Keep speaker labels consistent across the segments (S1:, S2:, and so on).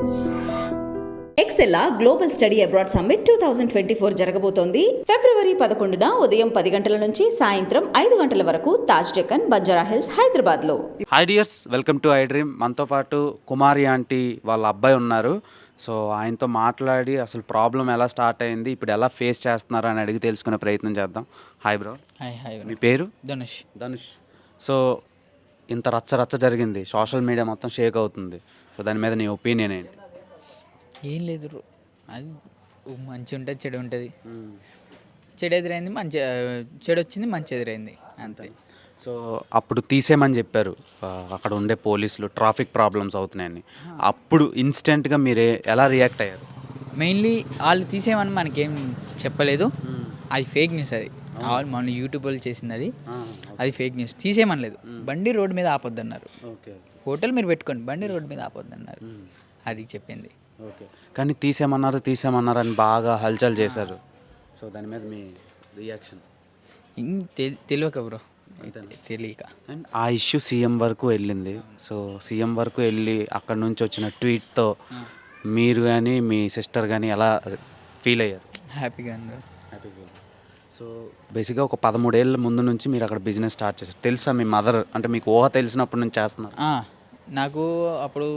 S1: ఎక్సెల్లా global study abroad summit 2024 జరగబోతోంది. ఫిబ్రవరి 11న ఉదయం 10 గంటల నుంచి సాయంత్రం 5 గంటల వరకు తాజ్ డెక్కన్, బంజారా హిల్స్, హైదరాబాద్లో.
S2: Hi dears, welcome to I dream. మనతో పాటు కుమారి ఆంటీ వాళ్ళ అబ్బాయి ఉన్నారు. సో ఆయనతో మాట్లాడి అసలు ప్రాబ్లం ఎలా స్టార్ట్ అయింది, ఇప్పుడు ఎలా ఫేస్ చేస్తున్నారు అని అడిగి తెలుసుకునే ప్రయత్నం చేద్దాం. Hi bro.
S3: హాయ్.
S2: మీ పేరు?
S3: ధనుష్.
S2: సో ఇంత రచ్చ జరిగింది, సోషల్ మీడియా మొత్తం షేక్ అవుతుంది. సో దాని మీద నీ ఒపీనియన్ ఏంటి?
S3: ఏం లేదు, అది మంచి ఉంటుంది, చెడు ఉంటుంది. చెడు ఎదురైంది, చెడు వచ్చింది, మంచి ఎదురైంది, అంతే.
S2: సో అప్పుడు తీసేయమని చెప్పారు అక్కడ ఉండే పోలీసులు, ట్రాఫిక్ ప్రాబ్లమ్స్ అవుతున్నాయని. అప్పుడు ఇన్స్టెంట్గా మీరు ఎలా రియాక్ట్ అయ్యారు?
S3: మెయిన్లీ వాళ్ళు తీసేయమని మనకేం చెప్పలేదు, అది ఫేక్ న్యూస్. అది మన యూట్యూబ్ వాళ్ళు చేసింది, అది ఫేక్ న్యూస్. తీసేయమనలేదు, బండి రోడ్డు మీద ఆపొద్దు అన్నారు. హోటల్ మీరు పెట్టుకోండి, బండి రోడ్డు మీద ఆపొద్దు అన్నారు, అది చెప్పింది.
S2: ఓకే, కానీ తీసేయమన్నారు అని బాగా హల్చల్ చేశారు. సో దాని మీద మీ రియాక్షన్?
S3: తెలియక బ్రో, తెలియక.
S2: అండ్ ఆ ఇష్యూ సీఎం వరకు వెళ్ళింది. సో సీఎం వరకు వెళ్ళి అక్కడ నుంచి వచ్చిన ట్వీట్తో మీరు కానీ మీ సిస్టర్ కానీ ఎలా ఫీల్ అయ్యారు?
S3: హ్యాపీగా అన్నారు.
S2: సో బేసిక్గా ఒక 13 ఏళ్ళ ముందు నుంచి మీరు అక్కడ బిజినెస్ స్టార్ట్ చేశారు. తెలుసా మీ మదర్, అంటే మీకు ఊహ తెలిసినప్పటి నుంచి చేస్తున్నారు?
S3: నాకు అప్పుడు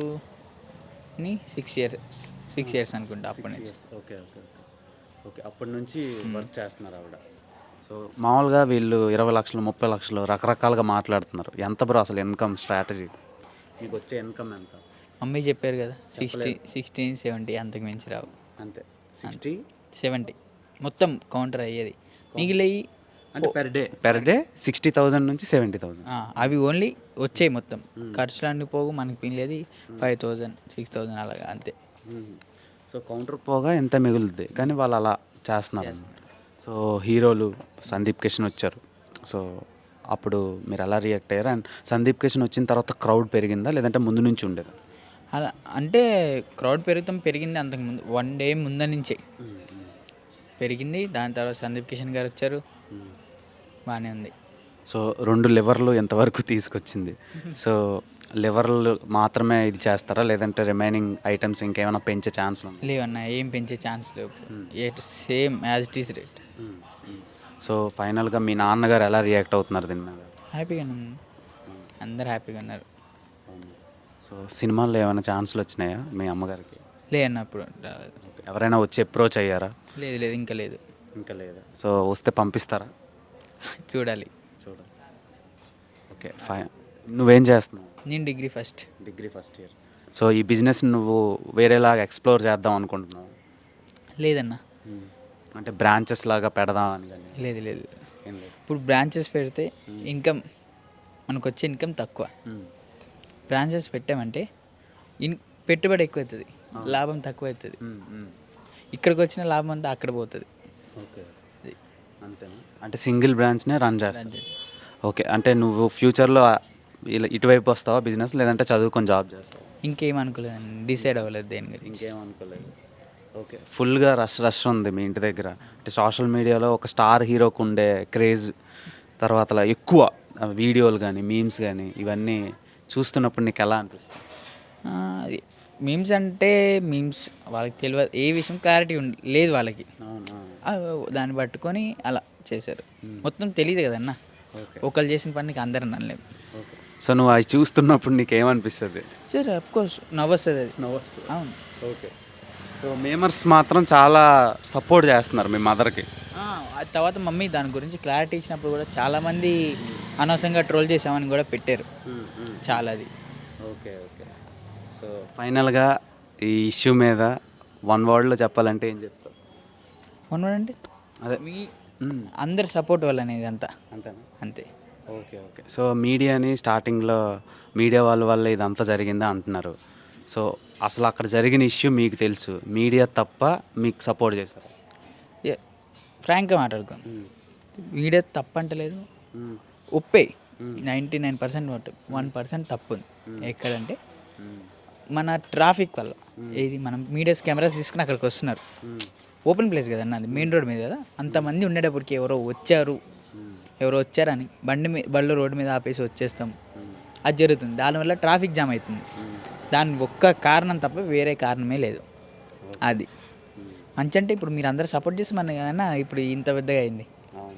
S3: 6 ఇయర్స్ అనుకుంటా, అప్పటి నుంచి.
S2: ఓకే, అప్పటి నుంచి వర్క్ చేస్తున్నారు ఆవిడ. సో మామూలుగా వీళ్ళు 20 లక్షలు 30 లక్షలు రకరకాలుగా మాట్లాడుతున్నారు. ఎంత బ్రో అసలు ఇన్కమ్ స్ట్రాటజీ? మీకు వచ్చే ఇన్కమ్ ఎంత?
S3: మమ్మీ చెప్పారు కదా, 60, 70, అంతకు మించి రావు.
S2: అంతే, 60,
S3: 70 మొత్తం కౌంటర్ అయ్యేది. మిగిలియి
S2: అంటే పెర్ డే 60,000 నుంచి 70,000.
S3: అవి ఓన్లీ వచ్చాయి మొత్తం. ఖర్చులు అన్ని పోగు మనకి పిల్లది 5,000, 6,000 అలాగా, అంతే.
S2: సో కౌంటర్ పోగా ఎంత మిగులుద్ది, కానీ వాళ్ళు అలా చేస్తున్నారు. సో హీరోలు సందీప్ కిషన్ వచ్చారు. సో అప్పుడు మీరు ఎలా రియాక్ట్ అయ్యారు? అండ్ సందీప్ కిషన్ వచ్చిన తర్వాత క్రౌడ్ పెరిగిందా, లేదంటే ముందు నుంచి ఉండేదా?
S3: అలా అంటే క్రౌడ్ పెరిగింది అంతకుముందు, 1 డే ముందు నుంచే పెరిగింది. దాని తర్వాత సందీప్ కిషన్ గారు వచ్చారు, బాగానే ఉంది.
S2: సో 2 లివర్లు ఎంతవరకు తీసుకొచ్చింది? సో లివర్లు మాత్రమే ఇది చేస్తారా, లేదంటే రిమైనింగ్ ఐటమ్స్ ఇంకేమైనా పెంచే ఛాన్స్ ఉంది?
S3: లేవన్నా, ఏం పెంచే ఛాన్స్ లేవు, same as it is rate.
S2: So ఫైనల్గా మీ నాన్నగారు ఎలా రియాక్ట్ అవుతున్నారు దీని మీద?
S3: హ్యాపీగా అందరు హ్యాపీగా ఉన్నారు.
S2: సో సినిమాల్లో ఏమైనా ఛాన్సులు వచ్చినాయా మీ అమ్మగారికి?
S3: లేదన్నప్పుడు
S2: ఎవరైనా వచ్చి అప్రోచ్ అయ్యారా?
S3: లేదు, ఇంకా లేదు.
S2: సో వస్తే పంపిస్తారా?
S3: చూడాలి.
S2: Okay, fine. నువ్వేం చేస్తున్నావు?
S3: నేను డిగ్రీ ఫస్ట్
S2: ఇయర్. సో ఈ బిజినెస్ నువ్వు వేరేలాగా ఎక్స్ప్లోర్ చేద్దాం అనుకుంటున్నావు?
S3: లేదన్నా,
S2: అంటే బ్రాంచెస్ లాగా పెడదాం అని?
S3: లేదు. ఇప్పుడు బ్రాంచెస్ పెడితే ఇన్కమ్, మనకు వచ్చే ఇన్కమ్ తక్కువ. బ్రాంచెస్ పెట్టామంటే పెట్టుబడి ఎక్కువ అవుతుంది, లాభం తక్కువ అవుతుంది. ఇక్కడికి వచ్చిన లాభం అంతా అక్కడ పోతుంది.
S2: ఓకే, అంతేనా? అంటే సింగిల్ బ్రాంచ్నే రన్ చేస్తాను. ఓకే, అంటే నువ్వు ఫ్యూచర్లో ఇలా ఇటువైపు వస్తావా బిజినెస్, లేదంటే చదువుకొని జాబ్ చేస్తావా?
S3: ఇంకేం అనుకోలేదు, డిసైడ్ అవ్వలేదు దేని గురించి.
S2: ఇంకేం అనుకోలేదు. ఓకే, ఫుల్గా రష్ ఉంది మీ ఇంటి దగ్గర. అంటే సోషల్ మీడియాలో ఒక స్టార్ హీరోకు ఉండే క్రేజ్, తర్వాత ఎక్కువ వీడియోలు కానీ మీమ్స్ కానీ ఇవన్నీ చూస్తున్నప్పుడు నీకు ఎలా అనిపిస్తుంది?
S3: మీమ్స్ అంటే మీమ్స్ వాళ్ళకి తెలియదు, ఏ విషయం క్లారిటీ లేదు వాళ్ళకి. దాన్ని పట్టుకొని అలా చేశారు, మొత్తం తెలియదు కదన్నా. ఒకళ్ళు చేసిన పనికి అందరూ అనలేము.
S2: సో నువ్వు అవి చూస్తున్నప్పుడు నీకు ఏమనిపిస్తుంది?
S3: సరే, అఫ్కోర్స్ నవ్వొస్తుంది. అది అవును.
S2: ఓకే, సో మేమర్స్ మాత్రం చాలా సపోర్ట్ చేస్తున్నారు మీ మదర్కి.
S3: తర్వాత మమ్మీ దాని గురించి క్లారిటీ ఇచ్చినప్పుడు కూడా చాలామంది అనవసరంగా ట్రోల్ చేసామని కూడా పెట్టారు చాలా. అది
S2: ఓకే. సో ఫైనల్గా ఈ ఇష్యూ మీద 1 వర్డ్లో చెప్పాలంటే ఏం చెప్తావు?
S3: 1 వర్డ్ అంటే
S2: అదే
S3: మీ అందరి సపోర్ట్ వల్ల అనేది అంతే.
S2: ఓకే. సో మీడియాని స్టార్టింగ్లో మీడియా వాళ్ళ వల్ల ఇదంతా జరిగిందా అంటున్నారు. సో అసలు అక్కడ జరిగిన ఇష్యూ మీకు తెలుసు, మీడియా తప్ప మీకు సపోర్ట్ చేస్తారు?
S3: ఫ్రాంక్గా మాట్లాడుకోండి, మీడియా తప్పు అంటలేదు, ఒప్పే 99% 1% తప్పు ఉంది. ఎక్కడంటే మన ట్రాఫిక్ వల్ల. ఏది మనం మీడియాస్ కెమెరాస్ తీసుకుని అక్కడికి వస్తున్నారు, ఓపెన్ ప్లేస్ కదన్న, అది మెయిన్ రోడ్ మీద కదా. అంతమంది ఉండేటప్పటికి ఎవరో వచ్చారని బళ్ళు రోడ్డు మీద ఆపేసి వచ్చేస్తాం, అది జరుగుతుంది. దానివల్ల ట్రాఫిక్ జామ్ అవుతుంది. దాని ఒక్క కారణం తప్ప వేరే కారణమే లేదు. అది మంచి అంటే ఇప్పుడు మీరు అందరూ సపోర్ట్ చేసి మన ఇప్పుడు ఇంత పెద్దగా అయింది.